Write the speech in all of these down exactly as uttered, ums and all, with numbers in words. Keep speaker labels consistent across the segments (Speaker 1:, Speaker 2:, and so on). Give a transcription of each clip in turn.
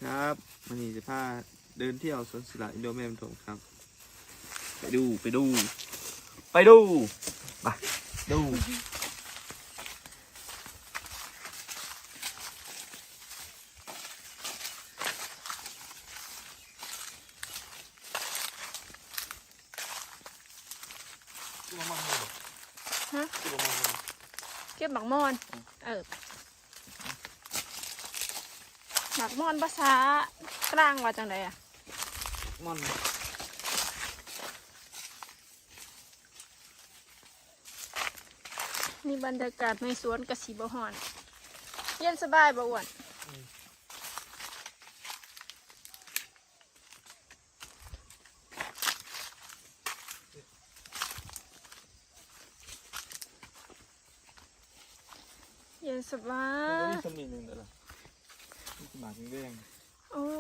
Speaker 1: ครับวันนี้จะพาเดินเที่ยวสวนสละอินโดแมนถมครับไปดูไปดูไปดูไปดู
Speaker 2: ฮะเก็บหมักมอนเออหมักมอนภาษากลางว่าจังไดอะ
Speaker 1: มอน
Speaker 2: นี่บรรยากาศในสวนกระสีบะฮอนเย็นสบายบ่อ้วนเย็นสบา
Speaker 1: มันก็
Speaker 2: ย
Speaker 1: มีสมีหนึ่งเดี๋ยวละมีสมาธิแดง
Speaker 2: โอ้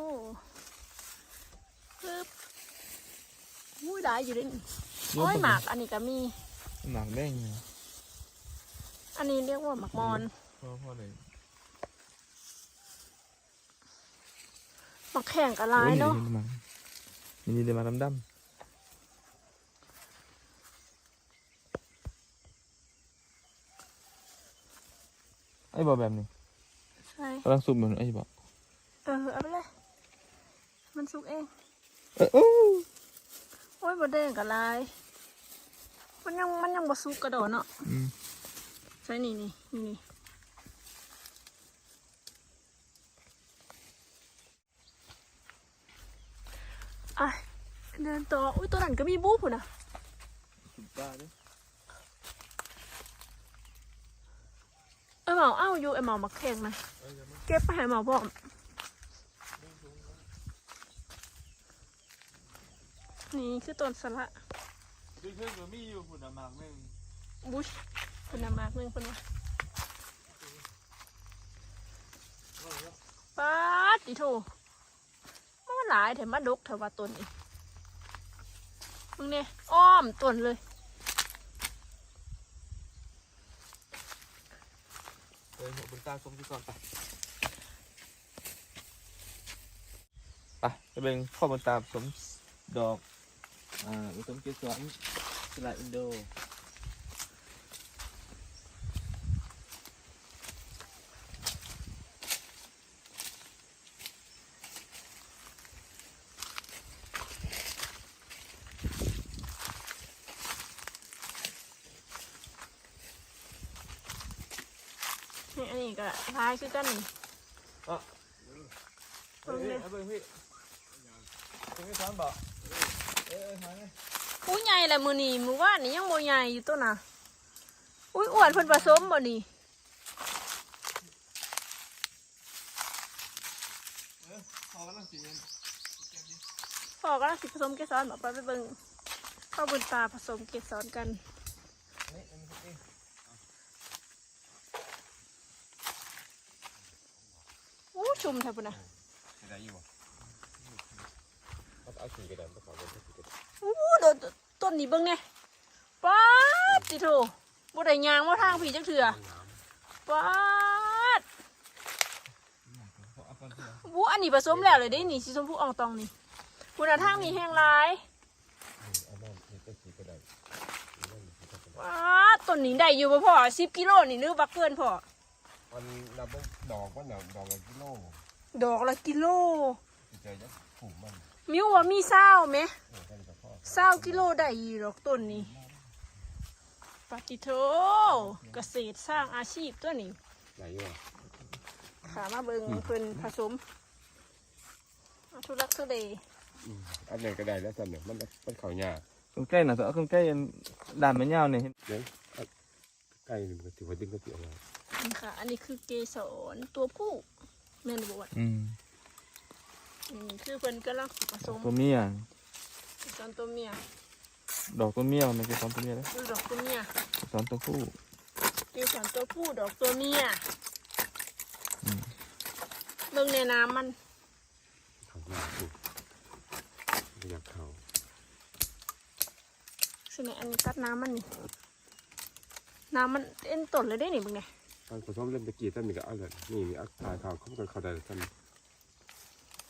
Speaker 2: ปึ๊บมุ้ยได้อยู่ด้วยนี่โอ้ยหมากอันนี้ก็มี
Speaker 1: หมากแดงเนี่ย
Speaker 2: อันนี้เรียกว่าหมากมอน
Speaker 1: พ่อพ่อเลย
Speaker 2: หมากแข่งกับลายเนาะ
Speaker 1: มีนี่เดี๋ยวมาดำดำไอ้บอแบบนี้
Speaker 2: ใช่
Speaker 1: กำลังซุ่มเหมือนไอ้บอ
Speaker 2: เออเอาไปเลยมันสุกเอง
Speaker 1: เออโอ้
Speaker 2: โอ้ยบดแดงกับลายมันยังมันยังบสุกกระโดดเนาะ
Speaker 1: อืม
Speaker 2: ใช่นี่นี่นี่นี่อ่ะเดินต่ออุ้ยตัวนั้นก็มีบู๊ปุ่นนะ
Speaker 1: สุดบ้าเลย
Speaker 2: ไอเหมาเอ้าอยู่ไอเหมามาแข่งนะเก็บไปให้เหมาบอกนี่คือต้นสละ
Speaker 1: คือเพื่อนก็มีอยู่หุ่นหมากหนึ่ง
Speaker 2: บุชคุณนำมากหนึ่งคนวะป๊าดดิโถมันหลายแถมมาดกแถวว่าต้นอีกมึงเนี่ยอ้อมต้นเลย
Speaker 1: เออหัวบนตาส้มที่ก่อนไปไปจะเป็นข้อบนตาสมดอกอ่าผสมเกสรสละอินโด
Speaker 2: นี่อันนี้ก็ลายคือกันนี่
Speaker 1: อ่ะเฮ้ยเฮ้ยเฮ้ยเฮ้ยเฮ้ยซ้อนบอกเอ้ยมาเนี่ย
Speaker 2: อุ้ยใหญ่แหละมือนี่มือว่านี่ยังโมใหญ่อยู่ตัวน่ะอุ้ยอ้วนเพิ่นผสมบ่นี่
Speaker 1: เออพอแล้วสิเงิน
Speaker 2: พ่อก็สิผสมเกสรบอกไปไปเบิ่งข้าวบุญตาผสมเกสรกัน
Speaker 1: นี่อันนี้เอง
Speaker 2: อู้ชุ่มแทบปุ่นนะ
Speaker 1: ได้อยู่มันเอาสีกระดานไปขอเป็นสีกระดาน
Speaker 2: อู้โดนต้นนี้เบิ่งเนี่ยป๊าดติโถบ่ได้ยางมาทางผีจักเถื่อป๊าดวู้อันนี้ผสมแล้วเลยได้นี่สีชมพูอ่องตองนี่คุณทางนี้แห้งหลายป๊าดต้นนี้ได้อยู่บ่พ่อสิบกิโลนี่นึกบักเกินพ่อ
Speaker 3: มันนับว่าดอกมันดอกดอกละกิโล
Speaker 2: ดอกละกิโล
Speaker 3: จะเจอจะผูกมัน
Speaker 2: มิวว่ามีเศร้าไหม
Speaker 3: เออกันกับพ่อ
Speaker 2: เศร้ากิโลได้อีดอกต้นนี้ปฏิโทเกษตรสร้างอาชีพตัวนี้
Speaker 3: ไหนอยู่
Speaker 2: ขามาเบิงเพิ่นผสมเอาทุลักทุเล
Speaker 3: อันไหนก็ได้แล้วสั่นเนี่ยมันมันเขาหญ้า
Speaker 1: คนใกล้หน่ะตัวคนใกล้ด่านมันยาวเนี่ย
Speaker 3: เดี๋ยวใกล้มันก็ถือว่าดึงก็ถือเอาไว้
Speaker 2: นี่ค่ะ อันนี้คือเกสรตัวผู้แม่นบวช
Speaker 1: อืม
Speaker 2: นี่คือเพิ่นกำลังผสม
Speaker 1: ตัวเมีย
Speaker 2: เกสรตัวเมีย
Speaker 1: ดอกตัวเมียมันเป็นสอนตัวเมียเลย
Speaker 2: ดูดอกตัวเมีย
Speaker 1: สอนตัวผู้
Speaker 2: เกสรตัวผู้ดอกตัวเมีย
Speaker 1: อืม
Speaker 2: เบิ่งในน้ำมัน
Speaker 3: เขาหญ้าผูกไม่อยากเขา
Speaker 2: ใช่ไหมอันนี้ตัดน้ำมันนี่น้ำมันเอ็นต้นเลยได้นี่เบิ่งเนี่ย
Speaker 3: ตอนผสมเล่มตะกี้ท่านมีก็เอาเลยนี่มีอักตายเขาเขากันเขาได้ท่าน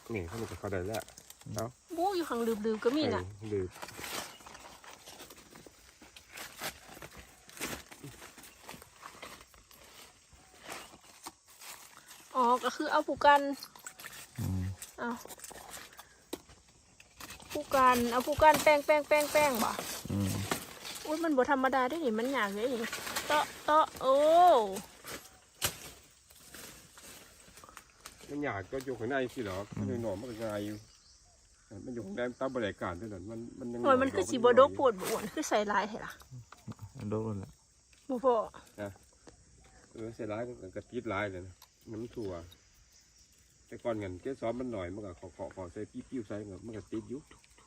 Speaker 3: นี่เขาจะเข้าได้แล้วแล้ว
Speaker 2: บู๊อยู่ข้างลืบๆก็มีน่ะ
Speaker 3: หรือ
Speaker 2: อ๋อก็คือเอาผู้กัน
Speaker 1: อืม
Speaker 2: เอาผู้กันเอาผู้กันแป้งแป้งแป้งแป้งบ่
Speaker 1: อืม
Speaker 2: อุ้ยมันบ่ธรรมดาได้ดิมันยากเลยดิเตาะเตาะโอ้
Speaker 3: มันอยากก็อยู่ข้างในสิหรอมันอยู่หนอมันก็ง่ายอยู่มันอยู่ข้างในตามบริการด้วยนั่นมันมันยัง
Speaker 2: โอ้ยมันคือสีบดกปวดบอ้วนคือใส่ลายเหรอ
Speaker 1: โดนแล้ว
Speaker 2: บ่พอ
Speaker 3: เออเสียร้ายมันก็ติดร้ายเลยนะน้ำถั่วแต่ก่อนเงินแค่ซ้อมมันหน่อยมันก็ขอขอขอใส่ปิ้วๆใส่เงินมันก็ติดอยู่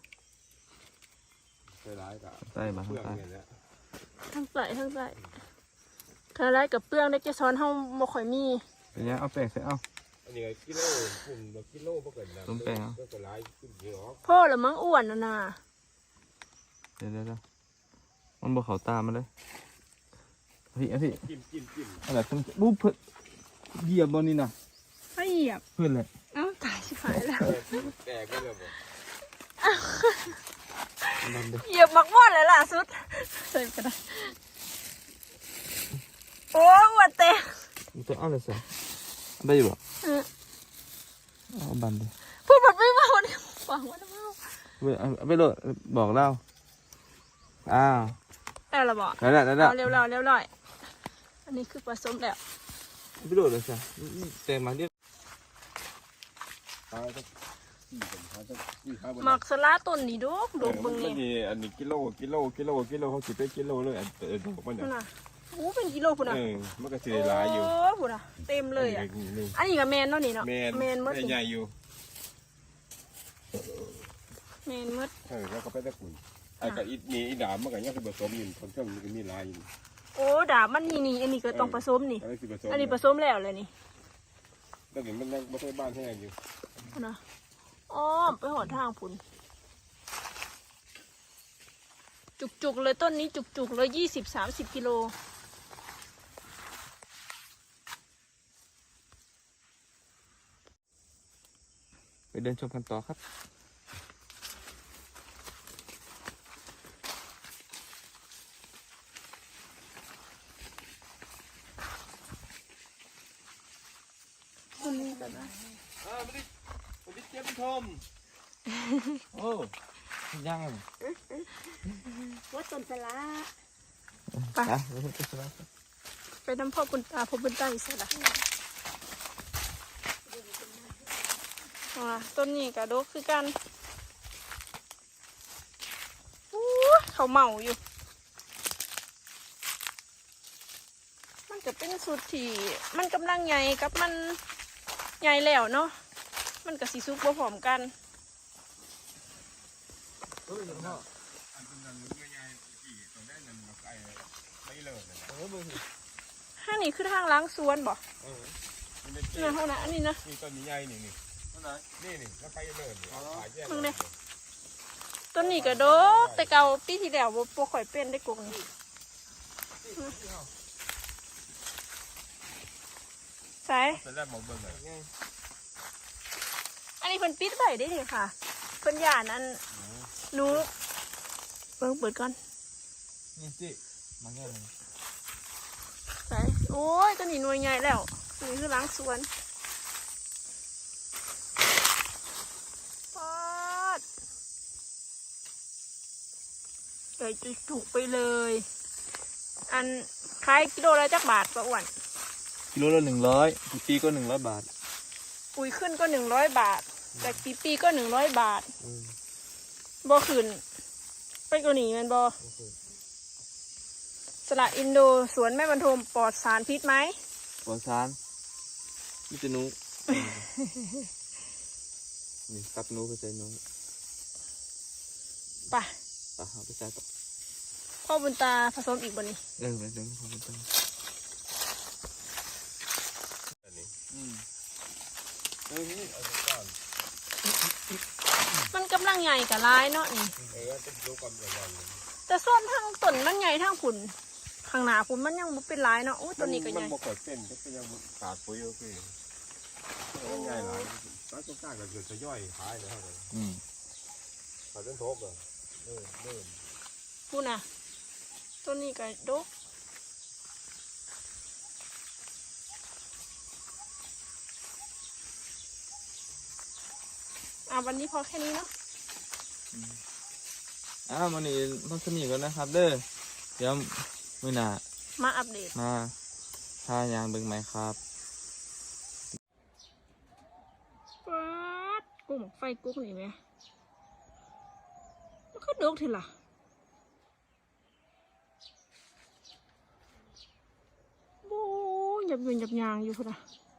Speaker 3: เสียร้ายกับ
Speaker 1: ใต้มา
Speaker 3: เพื่
Speaker 1: ข้าง
Speaker 3: อน
Speaker 1: ใต้
Speaker 3: เนี่ยแหละ
Speaker 2: ทั้งใส่ทั้งใส่คาไรกับเปลืองได้แค่ช้อนเฮาบ่ค่อยมี
Speaker 1: เป็นยังเอาแป้งใส่เอา
Speaker 3: อันนี้กิโลฝุ่นแบบกิโลพวกเกิดนะ
Speaker 1: ต้มแป้งเหรอ
Speaker 3: ก็จะร้ายขึ้นเยอะ
Speaker 2: พ่อละมั้งอ้วนน่ะนะ
Speaker 1: เดี๋ยวเดี๋ยวเดี๋ยวมันบ่เข้าตามันเลยพี่อ่ะพี่
Speaker 3: จิ้มจิ้มจิ้ม
Speaker 1: อะไรเพิ่งบุ๊บเพิ่นเหยียบบนนี่นะ
Speaker 2: ไปเหยียบ
Speaker 1: เพื่อนเลย
Speaker 2: เอ้าตายชิบหายแล้ว
Speaker 3: แตกก็เลยบอก
Speaker 1: นั่นเด้อ
Speaker 2: เหยียบมักม่อนเลยล่ะสุดใส่กระดาษโอ้อ้วนเตะ
Speaker 1: มันจะเอาอะไรใส่ได้อยู่บ่
Speaker 2: เออ
Speaker 1: เอาบันดิ
Speaker 2: พูดแบบไม่เมาเนี่ยฟังว่าไม่เมา
Speaker 1: ไปเอาเอาไปโหลดบอกเล่าอ้าว
Speaker 2: แล้วเราบอก
Speaker 1: ได้แล้วได้แล้ว
Speaker 2: เอาเร็วๆเร็วๆหน่อยอันนี้คือผสมแล้ว
Speaker 1: ไปโหลดเลยสิแตงมาเรียก
Speaker 3: ตายต้องสี่ผมตายต้องสี่ห้าบน
Speaker 2: หมักสลาต้นนี่ดกดกเบิ่ง
Speaker 3: มั
Speaker 2: นี่
Speaker 3: นมีอันนี้กิโลกิโลกิโลกิโลเขาสิบไปกิโลเลยอันเออดอกมันเนี่ย
Speaker 2: พุ่นน่ะโอ้เป็นกิโลพุ่นน่ะ
Speaker 3: เออมันก็สิได้หลายอยู่
Speaker 2: โอ้พุ่นน่ะเต็มเลยอ่ะ
Speaker 3: นี่
Speaker 2: อันนี้ก็แมนเนาะนี่เนาะ
Speaker 3: แมน
Speaker 2: แมนหมด
Speaker 3: ได้
Speaker 2: สิ
Speaker 3: ใหญ่อยู่
Speaker 2: แมนหมด
Speaker 3: เออแล้วก็ไปตะกุนไอ้กับอีนี่อีดามมันก็ยังคือผสมอยู่คนเครื่องมันก็มีหลายอยู่
Speaker 2: โอ้ดาบมันนี่นี่อันนี้ก็ต้องผสมนี่
Speaker 3: อันนี้คือผสม
Speaker 2: อันนี้ผสมแล้วเลยนี่
Speaker 3: แล้วเห็นมันยังไม่ใช่บ้านแห้งอยู่
Speaker 2: พุ่นน่ะอ้อมไปหอดทางพุ่นจุกๆเลยต้นนี้จุกๆเลยยี่สิบสามสิบกิโล
Speaker 1: ไปเดินชมกันต่อครับ
Speaker 2: ต้นนี้ก็ได้
Speaker 3: อ่าไม่ได้ไม่ได้เจ็บทม
Speaker 1: โอ้ยัง
Speaker 2: ว่าต้นสลา
Speaker 1: ไปอ่ะเดี๋ยวผมจะสลับ
Speaker 2: ไปน้ำพ่อบุญตาพ่อบุญตาอีกสละอ่าต้นนี้กระดกคือกันอู้เขาเมาอยู่ มันจะเป็นสุดที่มันกำลังใหญ่กับมันใหญ่แล้วเนาะมันกับสีซุกบ่พร้อมกัน
Speaker 1: เฮ้ยพ่อ
Speaker 3: อันนั้นมันใหญ่กี่ตรงได้นั่นมาไกลไม่เลิศเลย
Speaker 1: เออเบอร์สิ
Speaker 2: ห้านี่คือทางล้างสวนบ่
Speaker 3: เออมันเป็น
Speaker 2: นี่นะเท่านั้นอันนี้นะ
Speaker 3: นี่ต้นนี้ใหญ่นี่นี่นี่นี่แล้วไปเลิศนี่ขายแยก
Speaker 2: มึงเนี่ย ต้นนี้กระดกแต่เก่าปีที่แล้วบ่บ่ค่อยเป็นได้กงนี่ใส่
Speaker 3: เป็นแรกมองเบิ่งเลย
Speaker 2: อันนี้เพิ่นปิดไว้ได้เลยค่ะเพิ่นย่านอันหนูเบิ่งเปิดก่อน
Speaker 1: นี่สิมาแก้เลย
Speaker 2: ใส่โอ้ยตัวนี้หน่วยใหญ่แล้วนี่คือล้างสวนปอดใหญ่จุกๆไปเลย อันขายกิโลละจักบาทปะอ้วน
Speaker 1: กิโลละหนึ่งร้อยปีก็หนึ่งร้อยบาท
Speaker 2: ปุ๋ยขึ้นก็หนึ่งร้อยบาท แต่ปีปีก็หนึ่งร้อยบาทบ่ขึ้นไปกว่านี้แมันบ่สละอินโดสวนแม่บรรทมปลอดสารพิษไหม
Speaker 1: ปอนซานนี่จะนุนี่กับนุไปใส่นุ
Speaker 2: ไป
Speaker 1: อ่ะเอาไปใส่ต่อ
Speaker 2: พ่อบุญตาผสมอีกบ่นี้
Speaker 1: เออไปเดินพอไปตั้ง
Speaker 3: อันนี้
Speaker 1: อืม
Speaker 3: เออนี่เอาไปก่อน
Speaker 2: มันกำลังใหญ่กับร้ายเนาะนี่
Speaker 3: เออจะดูความใหญ่เลย
Speaker 2: แต่ส้นทางต้นมันใหญ่ทางผุนข้างหน้าผุนมันยังบ่เป็นร้ายเนาะโอ้ยตัวนี้ก็ใหญ่
Speaker 3: มันบ่เกิดเส้นก็ยังขาดปุ๋ยก็คือง่ายหลายก็ต้นกล้าก็เกิดจะย่อยขายเลยครับ
Speaker 1: อืม
Speaker 3: ขายต้นทบอ่ะเริ่มเริ่ม
Speaker 2: พูดนะต้นนี้ก็ดกอ่ะวันนี้พอแค่นี้เนาะ
Speaker 1: อ้าววันนี้พักสมีก่อนนะครับ เด้อเดี๋ยวมื้อหน้า
Speaker 2: มาอัปเดต
Speaker 1: มาทายางเบิ่งไหมครับ
Speaker 2: ป๊าดกุ้งไฟกุ้งนี่ไหมมันก็ดกทีละโอ้ยหยับยืนหยับยางอยู่พุ่นนะ